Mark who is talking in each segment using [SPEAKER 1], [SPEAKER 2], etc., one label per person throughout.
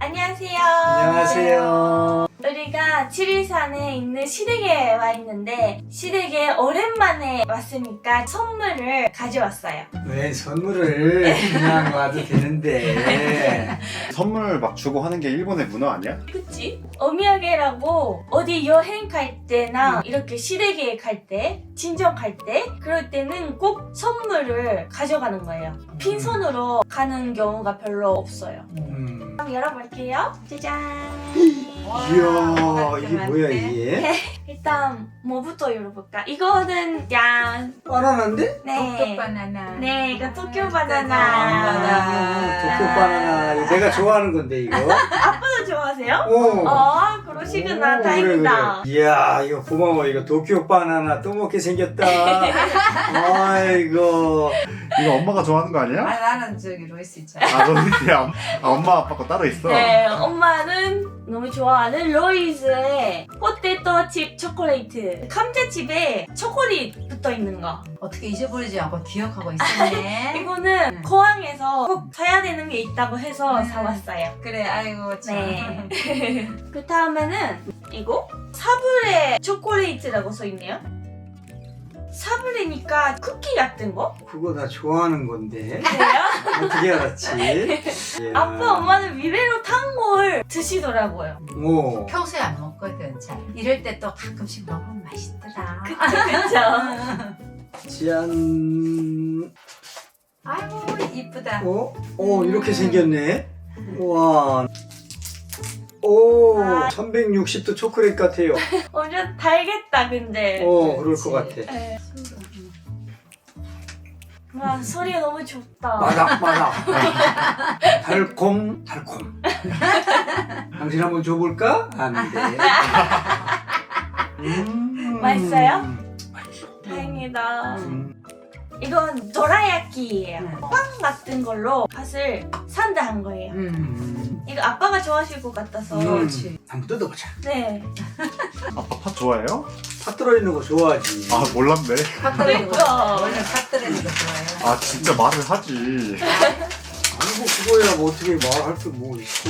[SPEAKER 1] 안녕하세요.
[SPEAKER 2] 안녕하세요.
[SPEAKER 1] 우리가 지리산에 있는 시댁에 와 있는데 시댁에 오랜만에 왔으니까 선물을 가져왔어요.
[SPEAKER 2] 왜 선물을 그냥 와도 되는데.
[SPEAKER 3] 선물 막 주고 하는 게 일본의 문화 아니야?
[SPEAKER 1] 그치? 어미야게라고 어디 여행 갈 때나 이렇게 시댁에 갈 때, 친정 갈 때 그럴 때는 꼭 선물을 가져가는 거예요. 빈손으로 가는 경우가 별로 없어요. 그럼 열어볼게요. 짜잔.
[SPEAKER 2] 이야, 이게 뭐야 이게?
[SPEAKER 1] 일단 뭐부터 열어볼까? 이거는 양.
[SPEAKER 2] 바나나인데?
[SPEAKER 1] 네.
[SPEAKER 4] 도쿄 바나나.
[SPEAKER 1] 네, 이거 도쿄
[SPEAKER 4] 아,
[SPEAKER 1] 바나나.
[SPEAKER 2] 도쿄 바나나. 이거 내가 좋아하는 건데 이거.
[SPEAKER 1] 아빠도 좋아하세요?
[SPEAKER 2] 오.
[SPEAKER 1] 그러시구나.
[SPEAKER 2] 오,
[SPEAKER 1] 다행이다.
[SPEAKER 2] 그래. 이야, 이거 고마워. 이거 도쿄 바나나 또 먹게 생겼다. 아이고.
[SPEAKER 3] 이거 엄마가 좋아하는 거 아니야?
[SPEAKER 4] 나는 저기 로이스 있잖아.
[SPEAKER 3] 아, 너는 그냥 엄마 아빠 거 따로 있어?
[SPEAKER 1] 네, 엄마는 너무 좋아하는 로이즈의 포테토 칩 초콜릿. 감자칩에 초콜릿 붙어 있는 거.
[SPEAKER 4] 어떻게 잊어버리지 않고 기억하고 있었네.
[SPEAKER 1] 이거는 공항에서 꼭 사야 되는 게 있다고 해서 사왔어요.
[SPEAKER 4] 그래, 아이고 참.
[SPEAKER 1] 네. 그 다음에는 이거 사브레 초콜릿이라고 써있네요. 사브레니까 쿠키 같은 거?
[SPEAKER 2] 그거 나 좋아하는 건데.
[SPEAKER 1] 그래요?
[SPEAKER 2] 어떻게 알았지? 이야.
[SPEAKER 1] 아빠 엄마는 위배로 탄 걸 드시더라고요.
[SPEAKER 2] 오.
[SPEAKER 4] 평소에 안 먹거든. 잘. 이럴 때 또 가끔씩 먹으면 맛있더라.
[SPEAKER 1] 그쵸?
[SPEAKER 2] 짠.
[SPEAKER 4] 아이고 이쁘다.
[SPEAKER 2] 이렇게 생겼네. 와. 오,
[SPEAKER 1] 아.
[SPEAKER 2] 360도 초콜릿 같아요.
[SPEAKER 1] 완전 달겠다 근데.
[SPEAKER 2] 그럴 것 같아.
[SPEAKER 1] 네. 와 소리가 너무 좋다.
[SPEAKER 2] 마닥마닥. 달콤. 당신 한번 줘볼까? 안 돼.
[SPEAKER 1] 맛있어요?
[SPEAKER 2] 맛있어.
[SPEAKER 1] 다행이다.
[SPEAKER 2] 음.
[SPEAKER 1] 이건 도라야끼예요.
[SPEAKER 4] 음.
[SPEAKER 1] 빵 같은 걸로 팥을 산다한 거예요. 이거 아빠가 좋아하실 것 같아서.
[SPEAKER 4] 그렇지.
[SPEAKER 2] 한번 뜯어보자.
[SPEAKER 1] 네.
[SPEAKER 3] 아빠 팥 좋아해요?
[SPEAKER 2] 팥 들어있는 거 좋아하지.
[SPEAKER 3] 아, 몰랐네.
[SPEAKER 4] 팥 들어있는 거.
[SPEAKER 1] 그러니까.
[SPEAKER 4] 원래 팥 들어있는 거 좋아해요.
[SPEAKER 3] 아, 진짜 말을 하지.
[SPEAKER 2] 아니 뭐 그거야 뭐 어떻게 말할 게 뭐 있어.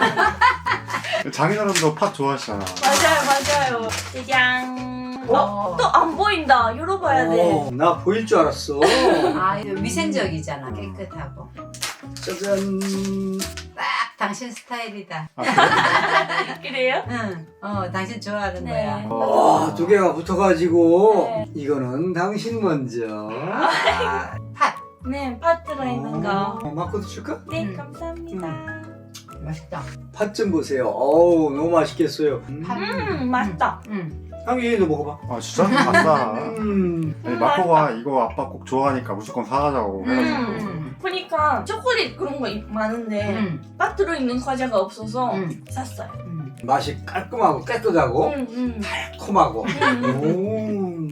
[SPEAKER 3] 장인어른도 팥 좋아하시잖아.
[SPEAKER 1] 맞아요. 짜잔. 또 안 보인다. 열어봐야 돼.
[SPEAKER 2] 나 보일 줄 알았어.
[SPEAKER 4] 아, 이거 위생적이잖아. 깨끗하고.
[SPEAKER 2] 짜잔.
[SPEAKER 4] 딱 당신 스타일이다.
[SPEAKER 3] 아, 그래?
[SPEAKER 1] 그래요?
[SPEAKER 4] 응. 당신 좋아하는
[SPEAKER 1] 네.
[SPEAKER 4] 거야.
[SPEAKER 2] 와, 두 개가 붙어가지고
[SPEAKER 1] 네.
[SPEAKER 2] 이거는 당신 먼저.
[SPEAKER 4] 팥.
[SPEAKER 1] 네, 팥 들어있는 거.
[SPEAKER 2] 마코도 줄까?
[SPEAKER 1] 네,
[SPEAKER 4] 음.
[SPEAKER 1] 감사합니다.
[SPEAKER 4] 맛있다.
[SPEAKER 2] 팥 좀 보세요. 어우, 너무 맛있겠어요.
[SPEAKER 4] 팥.
[SPEAKER 1] 맛있다.
[SPEAKER 4] 응.
[SPEAKER 2] 향기도 먹어봐.
[SPEAKER 3] 아, 진짜? 아싸. 아니, 마코가 이거 아빠 꼭 좋아하니까 무조건 사가자고 해가지고.
[SPEAKER 1] 보니까 초콜릿 그런 거 많은데
[SPEAKER 4] 응.
[SPEAKER 1] 팥 들어있는 과자가 없어서
[SPEAKER 4] 응.
[SPEAKER 1] 샀어요.
[SPEAKER 4] 응.
[SPEAKER 2] 맛이 깔끔하고 깨끗하고 달콤하고. 오.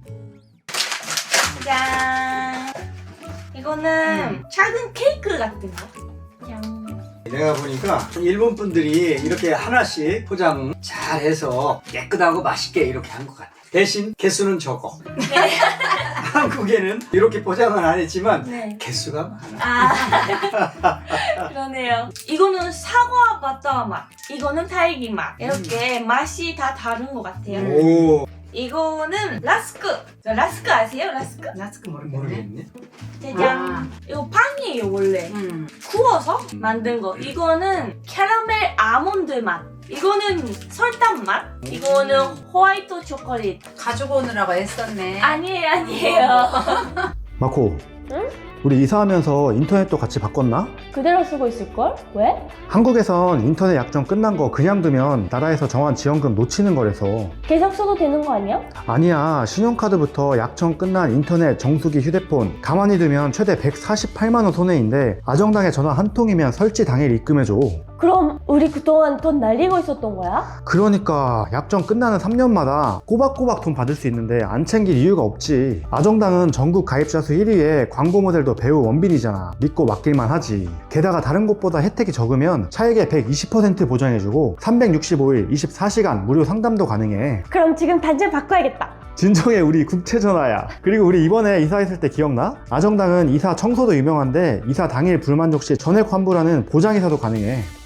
[SPEAKER 1] 짠. 이거는 작은 케이크 같은 거. 짠.
[SPEAKER 2] 내가 보니까 일본 분들이 이렇게 하나씩 포장 잘 해서 깨끗하고 맛있게 이렇게 한 것 같아. 대신 개수는 적어. 한국에는 이렇게 포장은 안 했지만
[SPEAKER 1] 네.
[SPEAKER 2] 개수가 많아.
[SPEAKER 1] 그러네요. 이거는 사과 바타 맛, 이거는 딸기 맛. 이렇게 맛이 다 다른 것 같아요.
[SPEAKER 2] 오,
[SPEAKER 1] 이거는 라스크. 라스크 아세요? 라스크?
[SPEAKER 4] 나스크 모르겠네.
[SPEAKER 2] 모르겠네.
[SPEAKER 1] 짜잔. 이거 빵이에요 원래.
[SPEAKER 4] 응.
[SPEAKER 1] 구워서 만든 거. 이거는 캐러멜 아몬드 맛. 이거는 설탕 맛. 이거는 호화이트 초콜릿.
[SPEAKER 4] 가지고 오느라고 애썼네.
[SPEAKER 1] 아니에요.
[SPEAKER 5] 마코,
[SPEAKER 1] 응?
[SPEAKER 5] 우리 이사하면서 인터넷도 같이 바꿨나?
[SPEAKER 1] 그대로 쓰고 있을걸? 왜?
[SPEAKER 5] 한국에선 인터넷 약정 끝난 거 그냥 두면 나라에서 정한 지원금 놓치는 거래서.
[SPEAKER 1] 계속 써도 되는 거 아니야?
[SPEAKER 5] 아니야, 신용카드부터 약정 끝난 인터넷, 정수기, 휴대폰 가만히 두면 최대 148만 원 손해인데 아정당에 전화 한 통이면 설치 당일 입금해줘.
[SPEAKER 1] 그럼 우리 그동안 돈 날리고 있었던 거야?
[SPEAKER 5] 그러니까 약정 끝나는 3년마다 꼬박꼬박 돈 받을 수 있는데 안 챙길 이유가 없지. 아정당은 전국 가입자 수 1위에 광고 모델도 배우 원빈이잖아. 믿고 맡길만 하지. 게다가 다른 곳보다 혜택이 적으면 차액의 120% 보장해주고 365일 24시간 무료 상담도 가능해.
[SPEAKER 1] 그럼 지금 당장 바꿔야겠다.
[SPEAKER 5] 진정해, 우리 국채전화야. 그리고 우리 이번에 이사했을 때 기억나? 아정당은 이사 청소도 유명한데 이사 당일 불만족 시 전액 환불하는 보장이사도 가능해.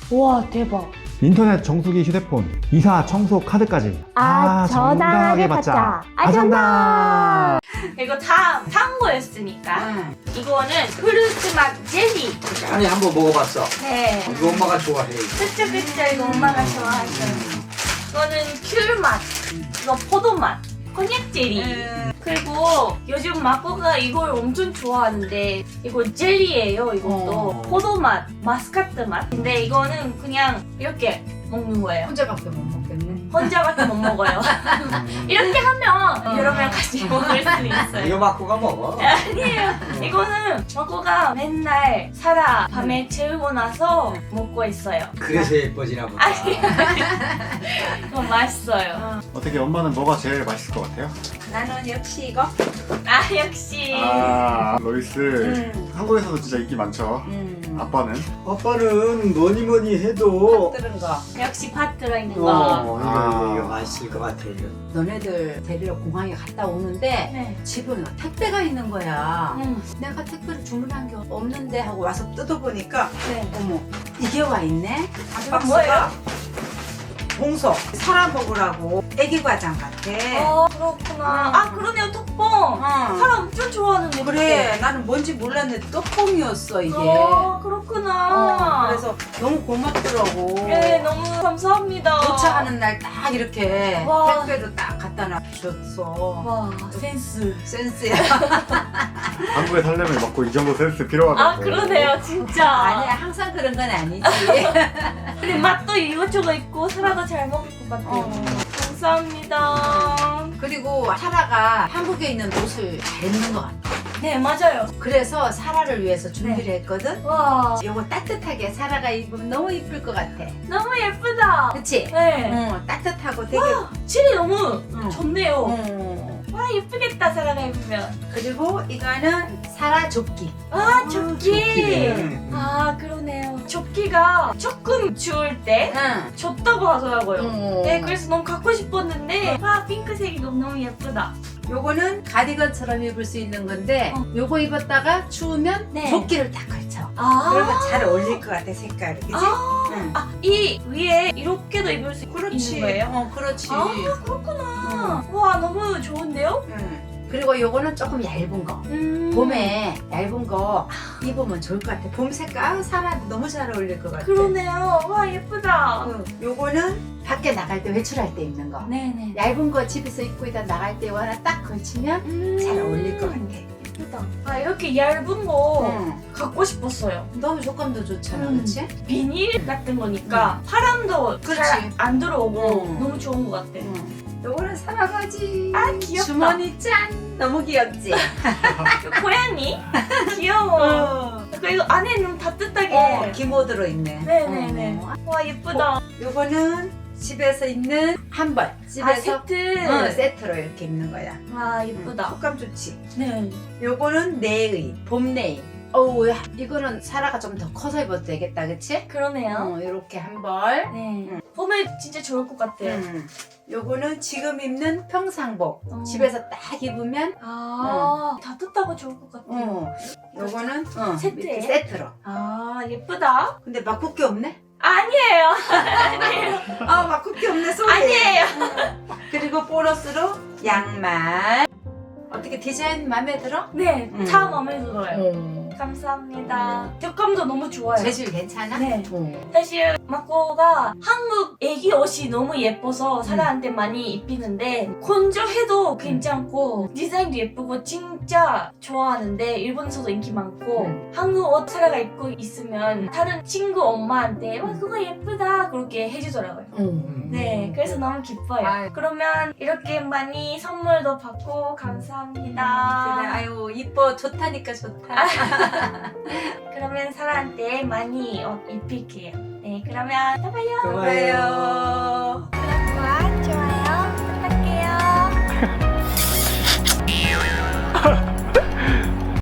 [SPEAKER 1] 와 대박.
[SPEAKER 5] 인터넷 정수기 휴대폰, 이사 청소 카드까지 정당하게 받자. 아정당!
[SPEAKER 1] 이거 다 산 거였으니까.
[SPEAKER 4] 응.
[SPEAKER 1] 이거는 프루트 맛 젤리.
[SPEAKER 2] 안에 한번 먹어봤어.
[SPEAKER 1] 네.
[SPEAKER 2] 이거 엄마가 좋아해.
[SPEAKER 1] 그쵸 그쵸, 이거 엄마가 좋아하죠. 이거는 귤 맛. 이거 포도 맛. 곤약 젤리. 그리고 요즘 마코가 이걸 엄청 좋아하는데 이거 젤리예요. 이것도 포도 맛, 마스카트 맛. 근데 이거는 그냥 이렇게 먹는 거예요.
[SPEAKER 4] 혼자밖에 못 먹겠네.
[SPEAKER 1] 혼자밖에 못 먹어요. 이렇게 하면 여러 명 같이 먹을 수 있어요.
[SPEAKER 2] 이거 마코가 먹어.
[SPEAKER 1] 아니에요. 이거는 마코가 맨날 사라 밤에 재우고 나서 먹고 있어요.
[SPEAKER 2] 그래서 예뻐지나 보다.
[SPEAKER 1] 아니에요. 이거 맛있어요.
[SPEAKER 3] 어떻게 엄마는 뭐가 제일 맛있을 것 같아요?
[SPEAKER 4] 나는 역시 이거.
[SPEAKER 1] 아 역시.
[SPEAKER 3] 로이스. 한국에서도 진짜 인기 많죠. 아빠는?
[SPEAKER 2] 아빠는 뭐니 뭐니 해도
[SPEAKER 4] 들은 거.
[SPEAKER 1] 역시 팥 들어있는 거.
[SPEAKER 2] 이거 맛있을 것 같아요.
[SPEAKER 4] 너네들 데리러 공항에 갔다 오는데
[SPEAKER 1] 네.
[SPEAKER 4] 집은 택배가 있는 거야. 내가 택배를 주문한 게 없는데 하고 와서 뜯어보니까
[SPEAKER 1] 네.
[SPEAKER 4] 어머 이게 와 있네.
[SPEAKER 1] 이거 뭐예요?
[SPEAKER 4] 봉소 사라 먹으라고 애기 과장 같아.
[SPEAKER 1] 그렇구나. 아 그러네요. 톡봉. 사람 엄청 좋아하는데.
[SPEAKER 4] 그래 나는 뭔지 몰랐는데 떡봉이었어 이게.
[SPEAKER 1] 그렇구나.
[SPEAKER 4] 그래서 너무 고맙더라고.
[SPEAKER 1] 네, 너무 감사합니다.
[SPEAKER 4] 도착하는 날 딱 이렇게
[SPEAKER 1] 와.
[SPEAKER 4] 택배로 딱 갖다 놔주셨어.
[SPEAKER 1] 와 센스.
[SPEAKER 4] 센스야.
[SPEAKER 3] 한국에 살려면 먹고 이 정도 센스 필요하다고.
[SPEAKER 1] 아 그러네요 진짜.
[SPEAKER 4] 아니야 항상 그런 건 아니지.
[SPEAKER 1] 근데 맛도 이것저것 있고 사라도 잘 먹을 것 같아요. 감사합니다.
[SPEAKER 4] 그리고 사라가 한국에 있는 옷을 잘 입는 것 같아.
[SPEAKER 1] 네 맞아요.
[SPEAKER 4] 그래서 사라를 위해서 준비를 했거든.
[SPEAKER 1] 와
[SPEAKER 4] 요거 따뜻하게 사라가 입으면 너무 이쁠 것 같아.
[SPEAKER 1] 너무 예쁘다.
[SPEAKER 4] 그치?
[SPEAKER 1] 네.
[SPEAKER 4] 따뜻하고 되게.
[SPEAKER 1] 칠이 너무
[SPEAKER 4] 응.
[SPEAKER 1] 좋네요. 와 예쁘겠다 사라가 입으면.
[SPEAKER 4] 그리고 이거는 사라 조끼.
[SPEAKER 1] 아 조끼.
[SPEAKER 2] 조끼네.
[SPEAKER 1] 아 그러네요. 조끼가 조금 추울 때
[SPEAKER 4] 응.
[SPEAKER 1] 좋다고 하더라고요.
[SPEAKER 4] 응.
[SPEAKER 1] 네 그래서 너무 갖고 싶었는데 와 핑크색이 너무 예쁘다.
[SPEAKER 4] 요거는 가디건처럼 입을 수 있는 건데 요거 입었다가 추우면
[SPEAKER 1] 네.
[SPEAKER 4] 조끼를 딱 걸쳐.
[SPEAKER 1] 아
[SPEAKER 4] 그러면 잘 어울릴 것 같아 색깔이. 그치? 응.
[SPEAKER 1] 이 위에 이렇게도 입을 수 있는 거예요?
[SPEAKER 4] 그렇지.
[SPEAKER 1] 아 그렇구나. 와 너무 좋은데요?
[SPEAKER 4] 응. 그리고 요거는 조금 얇은 거. 봄에 얇은 거 입으면 좋을 것 같아. 봄 색깔 사라도 너무 잘 어울릴 것 같아.
[SPEAKER 1] 그러네요. 와 예쁘다.
[SPEAKER 4] 응. 요거는 밖에 나갈 때 외출할 때 입는 거.
[SPEAKER 1] 네네.
[SPEAKER 4] 얇은 거 집에서 입고 있다 나갈 때 이거 하나 딱 걸치면 잘 어울릴 것 같아.
[SPEAKER 1] 예쁘다. 아 이렇게 얇은 거
[SPEAKER 4] 응.
[SPEAKER 1] 갖고 싶었어요.
[SPEAKER 4] 너무 조건도 좋잖아, 그렇지?
[SPEAKER 1] 비닐 같은 거니까 바람도
[SPEAKER 4] 그렇지.
[SPEAKER 1] 잘 안 들어오고
[SPEAKER 4] 응.
[SPEAKER 1] 너무 좋은 것 같아.
[SPEAKER 4] 요거는 사랑하지.
[SPEAKER 1] 아 귀엽다.
[SPEAKER 4] 주머니 짠. 너무 귀엽지?
[SPEAKER 1] 고양이 귀여워. 그리고 안에는 따뜻하게.
[SPEAKER 4] 기모 들어있네.
[SPEAKER 1] 네네네. 와 예쁘다.
[SPEAKER 4] 요거는 집에서 입는 한벌. 집에서
[SPEAKER 1] 세트.
[SPEAKER 4] 세트로 이렇게 입는 거야.
[SPEAKER 1] 와 예쁘다.
[SPEAKER 4] 촉감 좋지?
[SPEAKER 1] 네.
[SPEAKER 4] 요거는 내의, 봄 내의. 어우, 이거는 사라가 좀 더 커서 입어도 되겠다, 그치?
[SPEAKER 1] 그러네요.
[SPEAKER 4] 요렇게 한 벌.
[SPEAKER 1] 네. 봄에 진짜 좋을 것 같아요.
[SPEAKER 4] 요거는 지금 입는 평상복. 집에서 딱 입으면
[SPEAKER 1] 따뜻하고 좋을 것 같아요.
[SPEAKER 4] 요거는
[SPEAKER 1] 세트예요?
[SPEAKER 4] 이렇게 세트로.
[SPEAKER 1] 아 예쁘다.
[SPEAKER 4] 근데 막국기 없네?
[SPEAKER 1] 아니에요. 아니에요.
[SPEAKER 4] 아 막국기 없네 소리.
[SPEAKER 1] 아니에요.
[SPEAKER 4] 그리고 보너스로 양말. 어떻게 디자인 마음에 들어?
[SPEAKER 1] 네, 다 마음에 들어요. 감사합니다. 촉감도 너무 좋아요.
[SPEAKER 4] 재질 괜찮아?
[SPEAKER 1] 네. 사실 마코가 한국 애기 옷이 너무 예뻐서 사람한테 많이 입히는데 건조해도 괜찮고 디자인도 예쁘고 진짜 좋아하는데 일본에서도 인기 많고 한국 옷 사라가 입고 있으면 다른 친구 엄마한테 와 그거 예쁘다 그렇게 해주더라고요. 네, 그래서 너무 기뻐요.
[SPEAKER 4] 아유.
[SPEAKER 1] 그러면 이렇게 많이 선물도 받고 감사합니다.
[SPEAKER 4] 그래, 아유 이뻐 좋다니까 좋다.
[SPEAKER 1] 그러면 사라한테 많이 옷 입힐게요. 네, 그러면 또 봐요.
[SPEAKER 2] 고마워요.
[SPEAKER 4] 봐요.